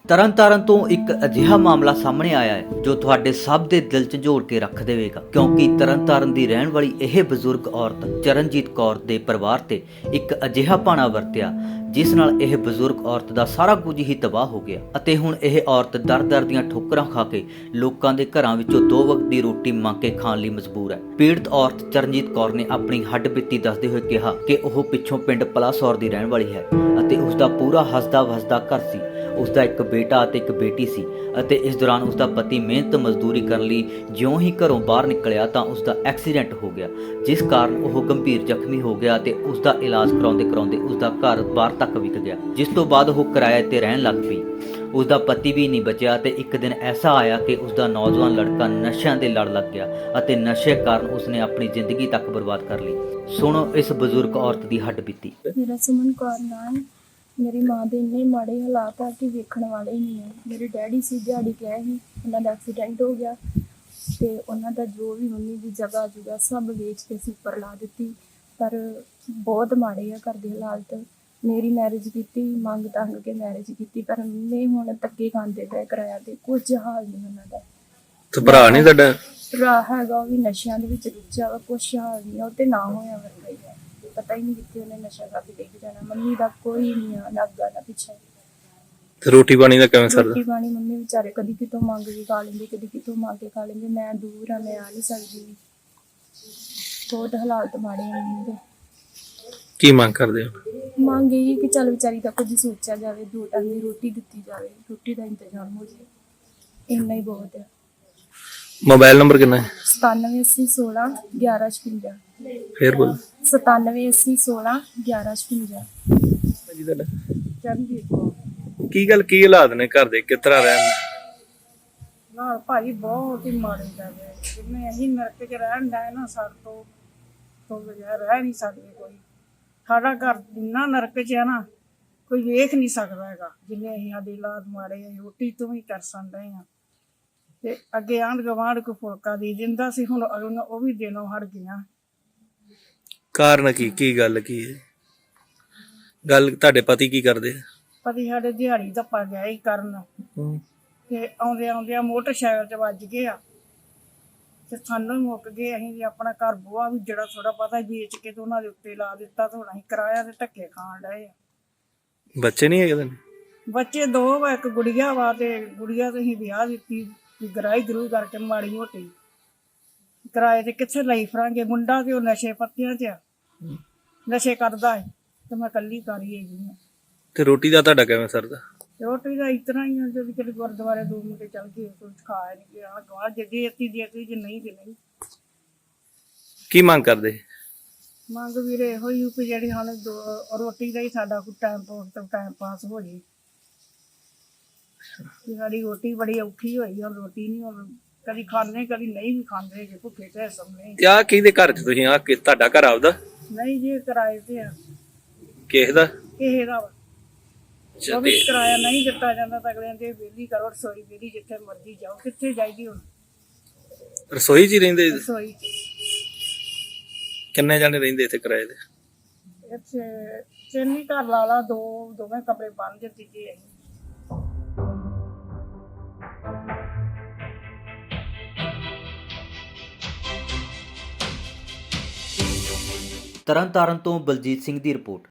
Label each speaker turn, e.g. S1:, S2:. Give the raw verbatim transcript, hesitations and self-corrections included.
S1: ਤਰਨਤਾਰਨ ਤੋਂ ਇੱਕ ਅਜਿਹਾ ਮਾਮਲਾ ਸਾਹਮਣੇ ਆਇਆ ਹੈ ਜੋ ਤੁਹਾਡੇ ਸਭ ਦੇ ਦਿਲ ਝੰਜੋੜ ਕੇ ਰੱਖ ਦੇਵੇਗਾ, ਕਿਉਂਕਿ ਤਰਨਤਾਰਨ ਦੀ ਰਹਿਣ ਵਾਲੀ ਇਹ ਬਜ਼ੁਰਗ ਔਰਤ ਚਰਨਜੀਤ ਕੌਰ ਦੇ ਪਰਿਵਾਰ ਤੇ ਇੱਕ ਅਜਿਹਾ ਭਾਣਾ ਵਰਤਿਆ ਜਿਸ ਨਾਲ ਇਹ ਬਜ਼ੁਰਗ ਔਰਤ ਦਾ ਸਾਰਾ ਕੁਝ ਹੀ ਤਬਾਹ ਹੋ ਗਿਆ ਅਤੇ ਹੁਣ ਇਹ ਔਰਤ ਦਰ-ਦਰ ਦੀਆਂ ਠੋਕਰਾਂ ਖਾ ਕੇ ਲੋਕਾਂ ਦੇ ਘਰਾਂ ਵਿੱਚੋਂ ਦੋ ਵਕਤ ਦੀ ਰੋਟੀ ਮੰਗ ਕੇ ਖਾਣ ਲਈ ਮਜਬੂਰ ਹੈ। ਪੀੜਤ ਔਰਤ ਚਰਨਜੀਤ ਕੌਰ ਨੇ ਆਪਣੀ ਹੱਡ-ਬੀਤੀ ਦੱਸਦੇ ਹੋਏ ਕਿਹਾ ਕਿ ਉਹ ਪਿੱਛੋਂ ਪਿੰਡ ਪਲਾਸੌਰ ਦੀ ਰਹਿਣ ਵਾਲੀ ਹੈ ਅਤੇ ਉਸ ਦਾ ਪੂਰਾ ਹੱਸਦਾ-ਵਸਦਾ ਘਰ ਸੀ। ਉਸ ਦਾ ਇੱਕ ਬੇਟਾ ਅਤੇ ਇੱਕ ਬੇਟੀ ਸੀ ਅਤੇ ਇਸ ਦੌਰਾਨ ਉਸ ਦਾ ਪਤੀ ਮਿਹਨਤ ਮਜ਼ਦੂਰੀ ਕਰਨ ਲਈ ਜਿਉਂ ਹੀ ਘਰੋਂ ਬਾਹਰ ਨਿਕਲਿਆ ਤਾਂ ਉਸ ਦਾ ਐਕਸੀਡੈਂਟ ਹੋ ਗਿਆ, ਜਿਸ ਕਾਰਨ ਉਹ ਗੰਭੀਰ ਜ਼ਖਮੀ ਹੋ ਗਿਆ ਅਤੇ ਉਸ ਦਾ ਇਲਾਜ ਕਰਾਉਂਦੇ ਕਰਾਉਂਦੇ ਉਸ ਦਾ ਘਰ ਬਾਹਰ ਤੱਕ ਵਿਕ ਗਿਆ, ਜਿਸ ਤੋਂ ਬਾਅਦ ਉਹ ਕਿਰਾਏ ਤੇ ਰਹਿਣ ਲੱਗ ਪਈ। ਉਸ ਦਾ ਪਤੀ ਵੀ ਨਹੀਂ ਬਚਿਆ ਤੇ ਇੱਕ ਦਿਨ ਐਸਾ ਆਇਆ ਕਿ ਉਸ ਦਾ ਨੌਜਵਾਨ ਲੜਕਾ ਨਸ਼ਿਆਂ ਦੇ ਲੜ ਲੱਗ ਗਿਆ ਅਤੇ ਨਸ਼ੇ ਕਾਰਨ ਉਸਨੇ ਆਪਣੀ ਜ਼ਿੰਦਗੀ ਤੱਕ ਬਰਬਾਦ ਕਰ ਲਈ। ਸੁਣੋ ਇਸ ਬਜ਼ੁਰਗ ਔਰਤ ਦੀ ਹੱਡ-ਬੀਤੀ।
S2: ਮੇਰਾ ਸੁਮਨ ਕੌਰ ਨਾਮ। ਮੇਰੀ ਮਾਂ ਦੇ ਇੰਨੇ ਮਾੜੇ ਹਾਲਾਤ ਆ ਕਿ ਵੇਖਣ ਵਾਲੇ ਹੀ ਨਹੀਂ ਆ। ਮੇਰੇ ਡੈਡੀ ਸੀ ਦਿਹਾੜੀ ਗਏ ਸੀ, ਉਹਨਾਂ ਦਾ ਐਕਸੀਡੈਂਟ ਹੋ ਗਿਆ ਤੇ ਉਹਨਾਂ ਦਾ ਜੋ ਵੀ ਮੰਮੀ ਦੀ ਜਗ੍ਹਾ ਜੁਗਾ ਸਭ ਵੇਚ ਕੇ ਅਸੀਂ ਉੱਪਰ ਲਾ ਦਿੱਤੀ। ਪਰ ਬਹੁਤ ਮਾੜੇ ਆ ਘਰ ਦੇ ਹਾਲਾਤ। ਮੇਰੀ ਮੈਰਿਜ ਕੀਤੀ, ਮੰਗ ਤੰਗ ਕੇ ਮੈਰਿਜ ਕੀਤੀ, ਪਰ ਮੰਮੀ ਹੁਣ ਧੱਕੇ ਖਾਂਦੇ ਪਏ ਕਿਰਾਇਆ ਤੇ। ਕੁਝ ਹਾਲ ਨਹੀਂ ਉਹਨਾਂ ਦਾ।
S3: ਤੇ ਭਰਾ ਨਹੀਂ ਤੁਹਾਡਾ?
S2: ਭਰਾ ਹੈਗਾ, ਉਹ ਵੀ ਨਸ਼ਿਆਂ ਦੇ ਵਿੱਚ ਰੁੱਝਿਆ ਵਾ। ਕੁਛ ਹਾਲ ਨਹੀਂ ਆ, ਉਹ ਤੇ ਨਾ ਹੋਇਆ ਵਰਗਾ ਹੀ ਆ। ਪਤਾ ਹੀ ਨਹੀਂ ਕਿੱਥੇ ਉਹਨੇ ਨਸ਼ਾ ਕਰਕੇ ਡਿੱਗ ਜਾਣਾ। ਮੰਮੀ ਦਾ ਕੋਈ ਨਹੀਂ ਆ, ਨਾ ਅੱਗਾ ਨਾ ਪਿੱਛੇ।
S3: ਤੇ ਰੋਟੀ ਪਾਣੀ ਦਾ ਕਿਵੇਂ ਸਰਦਾ?
S2: ਰੋਟੀ ਪਾਣੀ ਮੰਮੀ ਵਿਚਾਰੇ ਕਦੀ ਕਿਤੋਂ ਮੰਗ ਕੇ ਖਾ ਲੈਂਦੇ, ਕਦੀ ਕਿਤੋਂ ਮੰਗ ਕੇ ਖਾ ਲੈਂਦੇ। ਮੈਂ ਦੂਰ ਆ, ਮੈਂ ਆ ਨਹੀਂ ਸਕਦੀ। ਬਹੁਤ ਹਾਲਾਤ ਮਾੜੇ ਆ ਮੰਮੀ ਦੇ।
S3: ਕੀ ਮੰਗ ਕਰਦੇ ਹੋ?
S2: ਮੰਗ ਇਹ ਕਿ ਚੱਲ ਵਿਚਾਰੀ ਦਾ ਕੁਝ ਸੋਚਿਆ ਜਾਵੇ, ਦੋ ਟਾਈਮ ਦੀ ਰੋਟੀ ਦਿੱਤੀ ਜਾਵੇ, ਰੋਟੀ ਦਾ ਇੰਤਜ਼ਾਮ ਹੋ ਜਾਵੇ, ਇੰਨਾ ਹੀ ਬਹੁਤ ਹੈ।
S3: ਮੋਬਾਈਲ ਨੰਬਰ ਕਿੰਨਾ ਹੈ?
S2: ਸਤਾਨਵੇਂ ਅੱਸੀ ਸੋਲਾਂ ਗਿਆਰਾਂ ਛਪੰਜਾ।
S3: ਫੇਰ ਬੋਲ।
S2: ਸਤਾਨਵੇਂ ਅੱਸੀ ਸੋਲਾਂ ਗਿਆਰਾਂ ਛਪੰਜਾ।
S3: ਜੀ ਤੁਹਾਡਾ?
S2: ਚਰਨਜੀਤ ਕੌਰ।
S3: ਕੀ ਗੱਲ, ਕੀ ਹਾਲਾਤ ਨੇ ਘਰ ਦੇ, ਕਿਸ ਤਰ੍ਹਾਂ ਰਹਿਣ?
S2: ਨਾਲ ਭਾਈ ਬਹੁਤ ਹੀ ਮਾੜੇ ਜਾਵੇ। ਜਿਵੇਂ ਅਸੀਂ ਨਰਕ 'ਚ ਰਹਿਣ ਦਾ ਨਾ, ਸਾਡੇ ਤੋਂ ਤੋਂ ਬਗੈਰ ਰਹਿ ਨਹੀਂ ਸਕਦੇ ਕੋਈ। ਸਾਡਾ ਘਰ ਇੰਨਾ ਨਰਕ 'ਚ ਹੈ ਨਾ, ਕੋਈ ਵੇਖ ਨਹੀਂ ਸਕਦਾ ਹੈਗਾ। ਜਿੰਨੇ ਅਸੀਂ ਸਾਡੇ ਹਾਲਾਤ ਮਾੜੇ ਆ, ਰੋਟੀ ਤੋਂ ਵੀ ਤਰਸਣ ਰਹੇ ਹਾਂ। ਤੇ ਅੱਗੇ ਆਂਢ ਗੁਆਂਢ ਕੋਈ ਫੁਲਕਾ ਦੇ ਦਿੰਦਾ ਸੀ, ਹੁਣ ਉਹ ਵੀ ਦੇਣੋਂ ਹਟ ਗਈਆਂ।
S3: ਕਾਰਨ ਕੀ, ਕੀ ਗੱਲ ਕੀ ਹੈ? ਗੱਲ ਤੁਹਾਡੇ ਪਤੀ ਕੀ ਕਰਦੇ?
S2: ਪਤੀ ਸਾਡੇ ਦਿਹਾੜੀ ਧੱਪਾ ਗਿਆ ਹੀ ਕਰਨ, ਤੇ ਆਉਂਦੇ ਆਉਂਦਿਆਂ ਮੋਟਰਸਾਈਕਲ 'ਚ ਵੱਜ ਗਏ ਆ ਤੇ ਸਾਨੂੰ ਮੁੱਕ ਗਏ। ਅਸੀਂ ਵੀ ਆਪਣਾ ਘਰ ਬੂਹਾ ਵੀ ਜਿਹੜਾ ਥੋੜਾ ਪਤਾ ਵੇਚ ਕੇ ਤੇ ਉਹਨਾਂ ਦੇ ਉੱਤੇ ਲਾ ਦਿੱਤਾ ਤੇ ਹੁਣ ਅਸੀਂ ਕਿਰਾਇਆ ਤੇ ਧੱਕੇ ਖਾਣ ਡਏ ਆ।
S3: ਬੱਚੇ ਨਹੀਂ ਹੈਗੇ?
S2: ਬੱਚੇ ਦੋ ਵਾ, ਇੱਕ ਗੁੜੀਆ ਵਾ ਤੇ ਗੁੜੀਆ ਤੇ ਅਸੀਂ ਵਿਆਹ ਦਿੱਤੀ ਗਰਾਈ ਗਰੂ ਕਰਕੇ ਮਾੜੀ ਮੋਟੀ। ਕਿਰਾਏ ਤੇ ਕਿੱਥੇ ਲਈ ਫਰਾਂਗੇ। ਮੁੰਡਾ ਤੇ ਉਹ ਨਸ਼ੇ ਪੱਤਿਆਂ 'ਚ ਆ, ਨਸ਼ੇ ਕਰਦਾ ਹੈ ਤੇ ਮੈਂ ਇਕੱਲੀ ਕਰੀ ਹੈਗੀ ਆ।
S3: ਤੇ ਰੋਟੀ ਦਾ ਤੁਹਾਡਾ ਕਿਵੇਂ ਸਰਦਾ?
S2: ਰੋਟੀ ਦਾ ਇਸ ਤਰ੍ਹਾਂ ਹੀ ਆ, ਜਦੋਂ ਕਿਤੇ ਗੁਰਦੁਆਰੇ ਦੋ ਮੁੰਡੇ ਚੱਲ ਗਏ ਕੁਝ ਖਾ ਨਹੀਂ ਗਿਆ। ਗਾਹ ਜੇ ਦੇਤੀ ਦੇਤੀ, ਜੇ ਨਹੀਂ ਤੇ ਨਹੀਂ।
S3: ਕੀ ਮੰਗ ਕਰਦੇ?
S2: ਮੰਗ ਵੀਰੇ ਇਹੋ ਹੀ ਕਿ ਜਿਹੜੀ ਹੁਣ ਦੋ ਰੋਟੀ ਦਾ ਹੀ ਸਾਡਾ ਕੋਈ ਟਾਈਮ ਪਾਸ ਤੋਂ ਟਾਈਮ ਪਾਸ ਹੋ ਜੇ। ਸਾਡੀ ਰੋਟੀ ਬੜੀ ਔਖੀ ਹੋਈ, ਹੁਣ ਰੋਟੀ ਨਹੀਂ, ਹੁਣ ਕਦੀ ਖਾਂਦੇ ਕਦੀ ਨਹੀਂ ਵੀ ਖਾਂਦੇ, ਜੇ ਭੁੱਖੇ ਤੇ ਸਮੇਂ।
S3: ਆ ਕਿਹਦੇ ਘਰ ਚ ਤੁਸੀਂ? ਆ ਕਿ ਤੁਹਾਡਾ ਘਰ ਆਪਦਾ?
S2: ਨਹੀਂ ਜੀ, ਕਿਰਾਏ ਤੇ ਆ।
S3: ਕਿਸੇ ਦਾ?
S2: ਕਿਸੇ ਦਾ ਵਾ। ਉਹ ਵੀ ਕਿਰਾਇਆ ਨਹੀਂ ਦਿੱਤਾ ਜਾਂਦਾ ਤਾਂ ਅਗਲੇ ਦੇ ਵਿਹਲੀ ਕਰੋ, ਰਸੋਈ ਵਿਹਲੀ, ਜਿੱਥੇ ਮਰਜ਼ੀ ਜਾਓ। ਕਿੱਥੇ ਜਾਈਦੀ ਹੁਣ?
S3: ਰਸੋਈ 'ਚ ਹੀ ਰਹਿੰਦੇ?
S2: ਰਸੋਈ 'ਚ।
S3: ਕਿੰਨੇ ਜਾਣੇ ਰਹਿੰਦੇ ਇੱਥੇ ਕਿਰਾਏ ਤੇ?
S2: ਇੱਥੇ ਤਿੰਨ ਹੀ ਘਰ ਲਾ ਲਾ, ਦੋ ਦੋਵੇਂ ਕਮਰੇ ਬਣ ਜੇ, ਤੀਜੇ ਅਸੀਂ।
S1: ਤਰਨਤਾਰਨ ਤੋਂ ਬਲਜੀਤ ਸਿੰਘ ਦੀ ਰਿਪੋਰਟ।